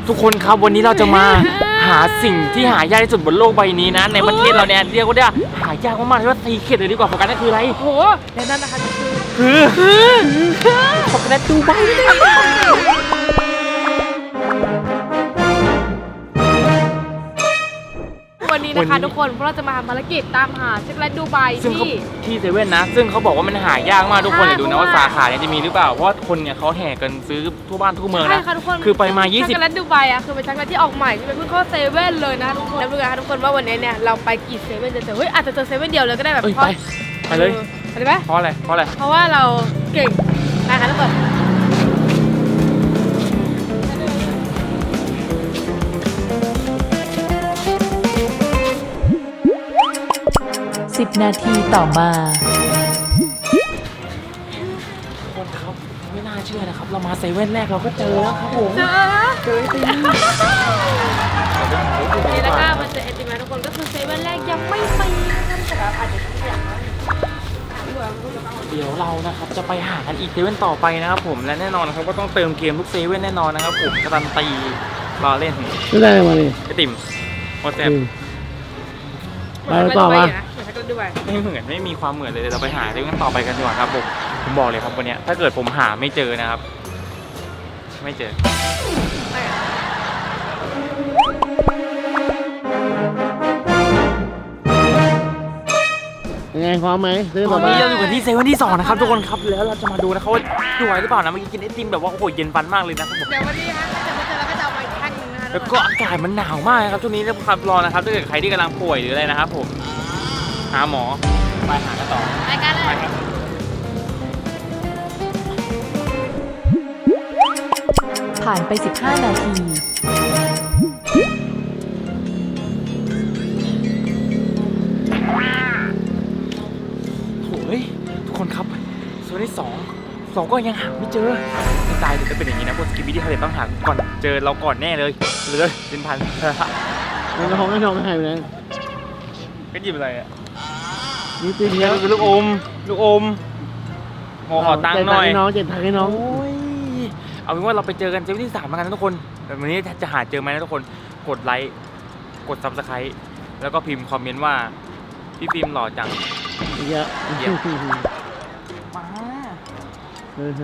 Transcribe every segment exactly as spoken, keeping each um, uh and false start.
ทุกคนครับวันนี้เราจะมาหาสิ่งที่หายากที่สุดบนโลกใบนี้นะในประเทศเราเนี่ยเรียกว่าได้หายากมากๆที่ว่าซีเคร็ตเลยดีกว่าโฟกัสนั่นคืออะไรโอ้โหในนั้นนะคะคือคือโฟกัสดูใบวันนี้นะคะทุกคนพวกเราจะมาทำภารกิจตามหาช็อกโกแลตดูไบที่ที่เซเว่นนะซึ่งเขาบอกว่ามันหายากมากทุกคนเลยดูนะว่าสาขาเนี่ยจะมีหรือเปล่าเพราะว่าคนเนี่ยเขาแห่กันซื้อทั่วบ้านทั่วเมืองนะคือไปมายี่สิบช็อกโกแลตดูไบอ่ะคือเป็นช็อกโกแลตที่ออกใหม่ที่เป็นเพิ่งเข้าเซเว่นเลยนะทุกคนแล้วดูกันทุกคนว่าวันนี้เนี่ยเราไปกี่เซเว่นจะเจอเฮ้ยอาจจะเจอเซเว่นเดียวเลยก็ได้แบบไปไปเลยไปเลยไหมเพราะอะไรเพราะอะไรเพราะว่าเราเก่งนะคะทุกคนสิบนาทีต่อมาทุกคนครับไม่น่าเชื่อนะครับเรามาเซเว่นแรกเราก็เจอแล้วครับผมเจอเจอไอติมนี่แล้วก็มันจะไอติมนะทุกคนก็คือเซเว่นแรกยังไม่ไปนะครับแต่อาจจะเสียงเดี๋ยวเรานะครับจะไปหากันอีกเซเว่นต่อไปนะครับผมและแน่นอนนะครับก็ต้องเติมเกมทุกเซเว่นแน่นอนนะครับผมการันตีรอเล่นไม่ได้มาเลยไอติมโอเซฟไปต่อมาไม่เหมือนไม่มีความเหมือนเลยเราไปหาเซเว่นต่อไปกันดีกว่าครับผมผมบอกเลยครับวันนี้ถ้าเกิดผมหาไม่เจอนะครับไม่เจอยังไงพร้อมไหมซื้อต่อไปนี้เราอยู่กันที่เซเว่นที่สองนะครับทุกคนครับแล้วเราจะมาดูนะเขาดูไหวหรือเปล่านะเมื่อกี้กินไอติมแบบว่าโอ้โหเย็นฟันมากเลยนะครับผมเดี๋ยววันนี้ฮะจะมาเจอแล้วก็จะเอาไปแท่งนึงนะคะแล้วก็อากาศมันหนาวมากครับช่วงนี้นะครับรอนะครับถ้าเกิดใครที่กำลังป่วยหรืออะไรนะครับผมหาหมอไปหากันต่อไปกันเลยผ่านไปสิบห้านาทีโอ้ยทุกคนครับโซนที่สองสองก็ยังหาไม่เจอไม่ตายเลยจะเป็นอย่างนี้นะพวกสกิปปี้ที่เขาเลยต้องหาก่อนเจอเราก่อนแน่เลยเลยเป็นพันไม่ท้องไม่ท้องไม่หายไปไหนก็หยิบอะไรอ่ะนี่ตีเดียวคือลูกอมลูกอมขอขอตังค์หน่อยน้องเจ็ดทังให้น้องเอาเป็นว่าเราไปเจอกันเซเว่นที่สามกันนะทุกคนแต่วันนี้จะหาเจอไหมนะทุกคนกดไลค์กดซับสไครต์แล้วก็พิมพ์คอมเมนต์ว่าพี่ฟิล์มหล่อจังเยอะเยอะมาเออ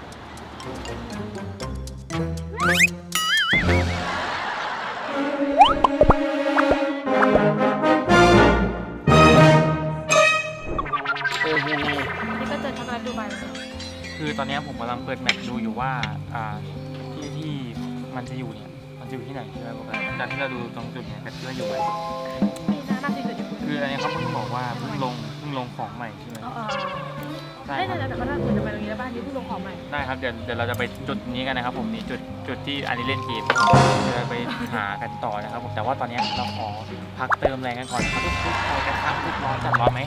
ยังไงนี่ก็เจอช็อกโกแลตดูไบคือตอนนี้ผมกำลังเปิดแมปดูอยู่ว่าอ่าที่ที่มันจะอยู่เนี่ยมันจะอยู่ที่ไหนใช่ไหมโปรแกรมจากที่เราดูตรงจุดเนี่ยกันที่เราอยู่ไว้น่าจะอยู่คืออะไรเขาเพิ่งบอกว่าเพิ่งลงเพิ่งลงของใหม่ใช่ไหมใช่ครับแต่ก็ถ้าคุณจะไปตรงนี้แล้วบ้านนี้เพิ่งลงของใหม่ได้ครับเดี๋ยวเดี๋ยวเราจะไปจุดนี้กันนะครับผมนี่จุดจุดที่อันนี้เล่นเกมจะไปหากันต่อนะครับผมแต่ว่าตอนนี้เราขอพักเติมแรงกันก่อนครับทุกทุกคนกันครับทุกร้อนจัดร้อนไหม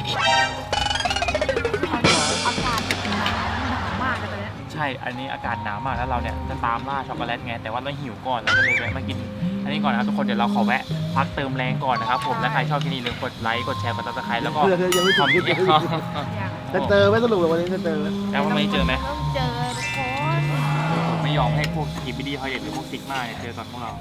อากาศหนาวมากเลยตอนนี้ใช่อันนี้อากาศหนาวมากแล้วเราเนี่ยจะตามล่าช็อกโกแลตไงแต่ว่าเราหิวก่อนเราก็เลยแวะมากินอันนี้ก่อนนะครับทุกคนเดี๋ยวเราขอแวะพักเติมแรงก่อนนะครับผมและใครชอบที่นี่ลืมกดไลค์กดแชร์กดซับสไครต์แล้วก็ยังไม่ถึงจะเจอไม่สรุปวันนี้จะเจอแล้ววันนี้เจอไหมเจอทุกคนไม่ยอมให้พวกทีบีดีเขาเด็ดหรือพวกซิกมาเนี่ยเจอก่อนพวกเรา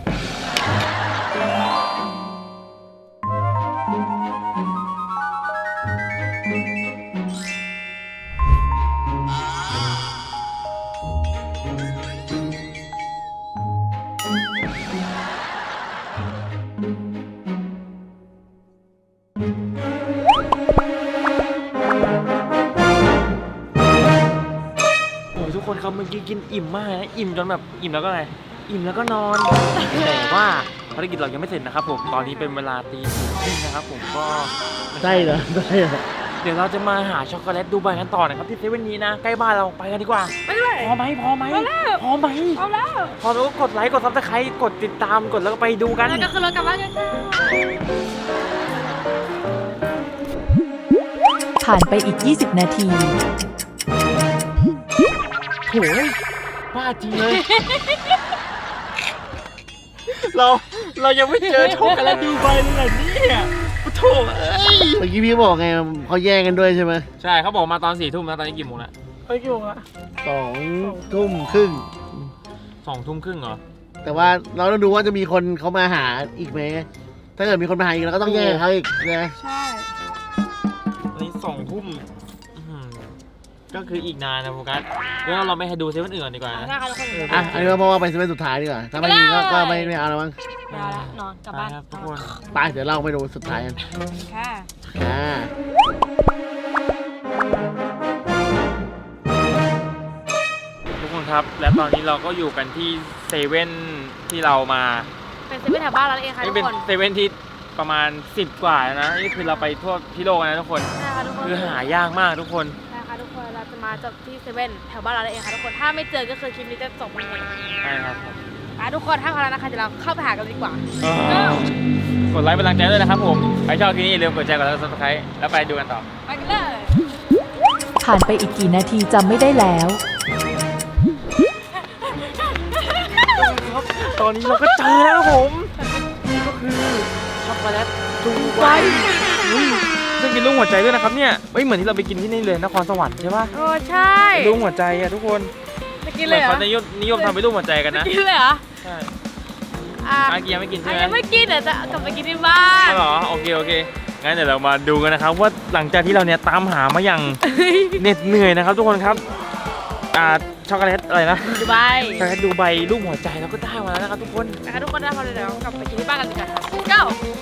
ทุกคนครับเมื่อกี้กินอิ่มมากนะอิ่มจนแบบอิ่มแล้วก็อะไรอิ่มแล้วก็นอนแต่ว่าภารกิจเรายังไม่เสร็จนะครับผมตอนนี้เป็นเวลาตีสี่ครึ่งนะครับผมก็ใช่เหรอใช่เหรอเดี๋ยวเราจะมาหาช็อกโกแลตดูไบกันต่อนะครับที่เซเว่นนี้นะใกล้บ้านเราไปกันดีกว่าไปเลยพอไหมพอไหมพอไหมพอแล้วพอแล้วกดไลค์กดซับสไครต์กดติดตามกดแล้วก็ไปดูกันแล้วก็คือเรากลับบ้านกันค่ะผ่านไปอีกยี่สิบนาทีโหยบ้าจริงเลยเราเรายังไม่เจอช็อกโกแลตดูไบเลยเนี่ยโถ่เอ้ยเมื่อกี้พี่บอกไงเขาแย่งกันด้วยใช่ไหมใช่เขาบอกมาตอนสี่ทุ่มแล้วตอนนี้กี่โมงแล้วเฮ้ยกี่โมงละสองทุ่มครึ่งสองทุ่มครึ่งเหรอแต่ว่าเราต้องดูว่าจะมีคนเขามาหาอีกไหมถ้าเกิดมีคนมาหาอีกเราก็ต้องแย่งเขาอีกนะใช่ตอนนี้สองทุ่มอื้อหือก็คืออีกนานนะโฟกัสแล้วเราไม่ให้ดูเซเว่นอื่นก่อนดีกว่านะนะคะทุกคนอ่ะอันนี้ก็เพราะว่าเป็นเซเว่นสุดท้ายดีกว่าถ้าไม่มีก็ก็ไม่ไม่เอาแล้วมั้งไปแล้วนอนกลับบ้านไปครับทุกคนไปเดี๋ยวเราไปดูสุดท้ายกันค่ะค่ะทุกคนครับ และตอนนี้เราก็อยู่กันที่เซเว่นที่เรามาเป็นเซเว่นแถวบ้านเราเองค่ะนี่ทุเป็นกคนเซเว่นที่ประมาณสิบกว่าแล้วนะนี่คือเราไปทั่วที่โลกนะทุกคนใช่ค่ะทุกคนคือหายากมากทุกคนใช่ค่ะทุกคนเราจะมาจบที่เซเว่นแถวบ้านเราเองค่ะทุกคนถ้าไม่เจอก็คือคลิปนี้จะจบไม่เองใช่ครับผมอ่ะทุกคนถ้าพร้อมแล้วนะคะเดี๋ยวเราเข้าไปหากันดีกว่ากดไลค์เป็นกำลังใจด้วยนะครับผมใครชอบคลิปนี้อย่าลืมกดแชร์กดไลค์กดซับสไครต์แล้วไปดูกันต่อไปกันเลยผ่านไปอีกกี่นาทีจำไม่ได้แล้วตอนนี้เราก็เจอแล้วครับผมก็คือช็อกโกแลตดูไบอุ้ยซึ่งเป็นรูปหัวใจด้วยนะครับเนี่ยเฮ้ยเหมือนที่เราไปกินที่นี่เลยนครสวรรค์ใช่ปะโอ้ใช่เป็นรูปหัวใจอะทุกคนจะกินเหเลมือย นเหรอเขานิยมนิยมทำเป็นรูปหัวใจกันนะกินเลยเหรอใช่อ่ะอากียังไม่กินอ่ะใช่ไหมยังไม่กินเดี๋ยวจะกลับไปกินที่บ้านอ๋อเหรอโอเคโอเคงั้นเดี๋ยวเรามาดูกันนะครับว่าหลังจากที่เราเนี่ยตามหามาอย่างเหน็ดเหนื่อยนะครับทุกคนครับอ่าช็อกโกแลตอะไรนะดูใบช็อกโกแลตดูใบรูปหัวใจเราก็ได้มาแล้วนะครับทุกคนนะคะทุกคนได้พอเลยเดี๋ยวกลับไปกินที่บ้านกันดีกว่าค่ะ go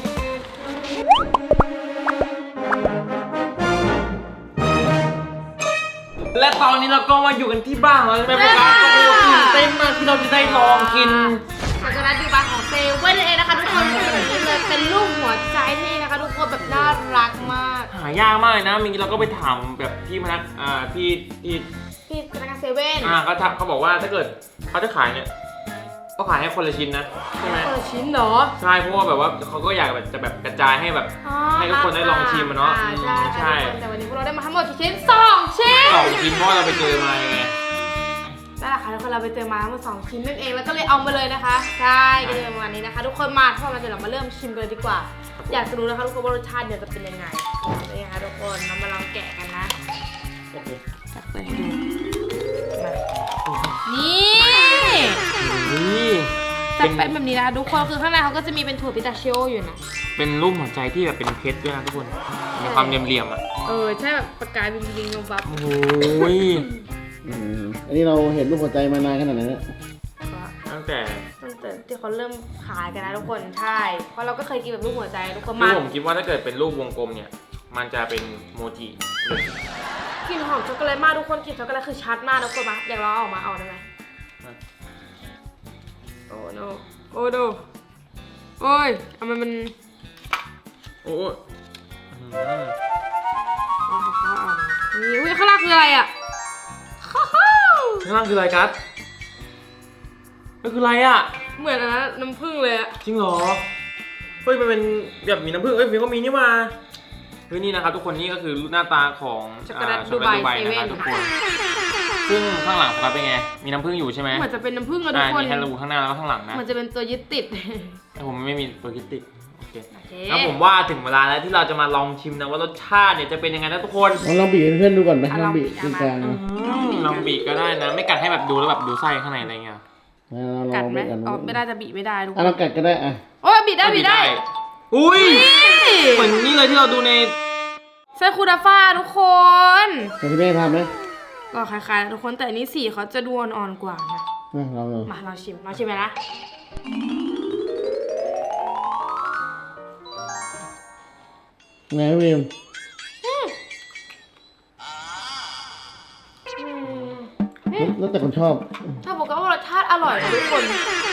และตอนนี้เราก็มาอยู่กันที่บ้านแล้วใช่ไหมครับโอ้โหตื่นเต้นมากที่เราจะได้ลองกินช็อกโกแลตดูใบของเซเว่นเองนะคะทุกคนเป็นแบบนี้เลยเป็นรูปหัวใจนี่นะคะทุกคนแบบน่ารักมากหายากมากเลยนะเมื่อกี้เราก็ไปถามแบบพี่พนักอ่าพี่พี่ที่พนักงานเซเว่นอ่าเขาทักเขาบอกว่าถ้าเกิดเขาจะขายเนี่ยก็ขายให้คนละชิ้นนะใช่ไหมเออชิ้นเหรอใช่เพราะว่าแบบว่าเขาก็อยากแบบจะแบบกระจายให้แบบอ๋อให้ทุกคนได้ลองชิมอะเนาะอ่ใช่ใช่ใช่แต่วันนี้พวกเราได้มาทั้งหมดกี่ชิ้นสองชิ้นสองชิ้นเพราะว่าเราไปเจอมาไงนั่นแหละค่ะทุกคนเราไปเจอมาทั้งหมดสองชิ้นนั่นเองแล้วก็เลยเอามาเลยนะคะใช่ก็เลยประมาณนี้นะคะ ทุกคนมาถ้ามาเดี๋ยวเรามาเริ่มชิมกันเลยดีกว่า อยากจะรู้นะคะทุกคนว่ารสชาติเนี่ยจะเป็นยังไงนี่ค่ะทุกคนเรามาลองแกะกันนะโอเคจับเปิดให้ดูมานี่นี่จะเป็นแบบนี้นะคะทุกคนคือข้างในเขาก็จะมีเป็นถั่วพิตาชิโออยู่นะเป็นรูปหัวใจที่แบบเป็นเพชรด้วยนะทุกคนมีความเหลี่ยมๆอ่ะเออใช่แบบประกายวิงวิงงบับโอ้ยอืมอันนี้เราเห็นรูปหัวใจมานานขนาดไหนแล้วตั้งแต่ตั้งแต่ที่เขาเริ่มขายกันนะทุกคนใช่ เพราะเราก็เคยกินแบบรูปหัวใจทุกคนคือมาผมคิดว่าถ้าเกิดเป็นรูปวงกลมเนี่ยมันจะเป็นโมจิเลยกลิ่นหอมช็อกโกแลตมากทุกคนกลิ่นช็อกโกแลตคือชัดมากทุกคนมาอยากลองเอาออกมาเอาได้ไหมโอ้โนโอ้โนโอ้ยทำไมมันโอ้ยอื้อหือเอาของเขาเอามานี่อุ้ยข้างล่างคืออะไรอ่ะข้าวข้างล่างคืออะไรกัสมันคืออะไรอ่ะเหมือนอันนั้นน้ำผึ้งเลยอ่ะจริงเหรอ เฮ้ยมันเป็นแบบมีน้ำผึ้งเอ้ยมันก็มีนี่มาเฮ้ยนี่นะครับทุกคนนี่ก็คือหน้าตาของช็อกโกแลตาดูไบช็อกโกแลตเซดูเว่นะครันบทุกคนซึ่งข้างหลังครับเป็นไงมีน้ำผึ้งอยู่ใช่ไหมเหมือนจะเป็นน้ำผึ้งอะทุอ่ากคนมีแค่ระบุข้างหน้าแล้วก็ข้างหลังนะเหมือนจะเป็นตัวยึดติดแต่ผมไม่มีตัวคิดติดโอเคโอเคแล้วผมว่าถึงเวลาแล้วที่เราจะมาลองชิมนะว่ารสชาติเนี่ยจะเป็นยังไงนะทุกคนลองลองบีบให้เพื่อนดูก่อนไหมลองบีบตรงกลางลองบีบก็ได้นะ ไม่กัดให้แบบดูแล้วแบบดูไส้ข้างในอะไรเงี้ยเราลกัอดงไหมบีบกันอ๋อไม่ได้จะบีบไม่ได้ทุกคอ่ะนเรากัดก็ได้อ่ะโอ้ยบีบได้บีบได้อุ้ยเหมือนนี่เลยที่เราดูในไส้คูดาฟ่าทุกคนแต่ที่แม่ทำไหมก็คล้ายๆนะทุกคนแต่อันนี้สีเขาจะดูอ่อนๆกว่านะอ่ะลองดูมาเราชิมเราชิมไปนะไงพี่วิมอืมแล้วแต่คนชอบถ้าบอกว่ารสชาติอร่อยนะทุกคน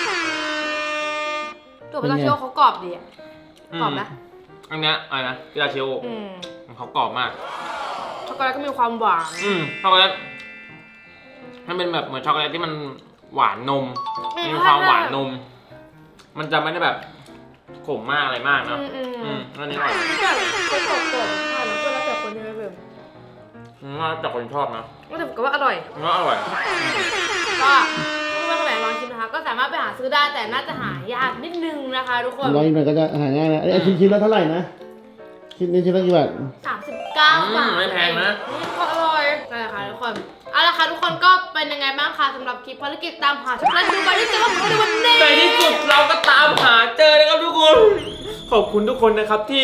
ตัวปลาเชียวเขากรอบดีอะกรอบนะอันเนี้ยอะไรนะพิซซ่าเชลอืมเขากรอบมากช็อกโกแลตก็มีความหวานอืมช็อกโกแลตมันเป็นแบบเหมือนช็อกโกแลตที่มันหวานนมอืมมีความใช่หวานนม มันจะไม่ได้แบบขมมากอะไรมากอืนะมอืมอืมอันนี้อร่อยแต่เขากรอบกรอบใช่แล้วก็แล้วแต่คนใช่ไหมเบมอืมว่าแต่คนชอบนะก็แต่ผมก็ว่าอร่อยมันก็อร่อยก็ถ้าเพื่อนคนไหนลองชิมนะคะ ก็สามารถไปหาซื้อได้แต่น่าจะหายากนิดนึงนะคะทุกคนลองอีกหน่อยก็จะหาง่ายนะไอ้ชิ้นชิ้นละเท่าไหร่นะชิ้นนี้ชิ้นละกี่บาทสามสิบเก้าอืมบาทไม่แพงนะอืมก็อร่อยใช่ค่ะทุกคนเอาละค่ะทุกคนก็เป็นยังไงบ้างคะสำหรับคลิปภารกิจตามหาช็อกโกแลตดูไบที่เจอของเราในวันนี้ในที่สุดเราก็ตามหาเจอนะครับทุกคนขอบคุณทุกคนนะครับที่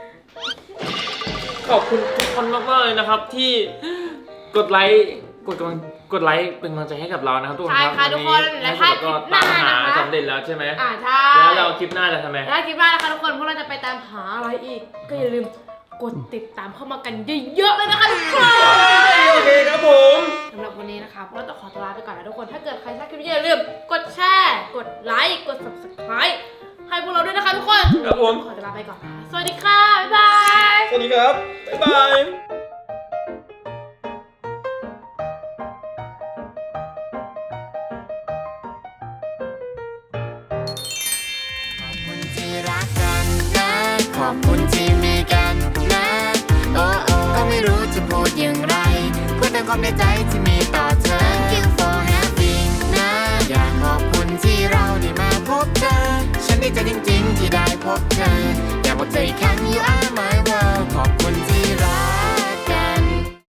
ขอบคุณทุกคนมากๆเลยนะครับที่กดไลค์กดกำลังกดไลค์เป็นกำลังใจให้กับเรานะครับทุกคนใช่ครับค่ะทุกคนและถ้าคลิก็ปหน้าตามหานะคะสำเร็จแล้วใช่ไหมอ่าใช่แล้วเราคลิปหน้าจะทำไมแล้วคลิปหน้านะคะทุกคนพวกเราจะไปตามหาอะไรอีก ก็อย่าลืมกดติดตามเข้ามากันเยอะๆเลยนะคะทุกคนโอเคครับผมสำหรับวันนี้นะคะพวกเราต้องขอตัวลาไปก่อนนะทุกคนถ้าเกิดใครชอบคลิปนี้อย่าลืมกดแชร์กดไลค์กด ซับสไครบ์ ให้พวกเราด้วยนะคะทุกคนครับผมขอตัวลาไปก่อนนะสวัสดีค่ะบ๊ายบายสวัสดีครับบ๊ายบายที่รักกันนะขอบคุณที่มีกันนะโอ้โอ้ก็ไม่รู้จะพูดอย่างไรพูดแต่ความในใจที่มีต่อเธอ Thank you for having นะอยากขอบคุณที่เราได้มาพบเธอ ฉันดีใจจริงๆที่ได้พบเธอ อยากบอกเธออีกครั้ง you are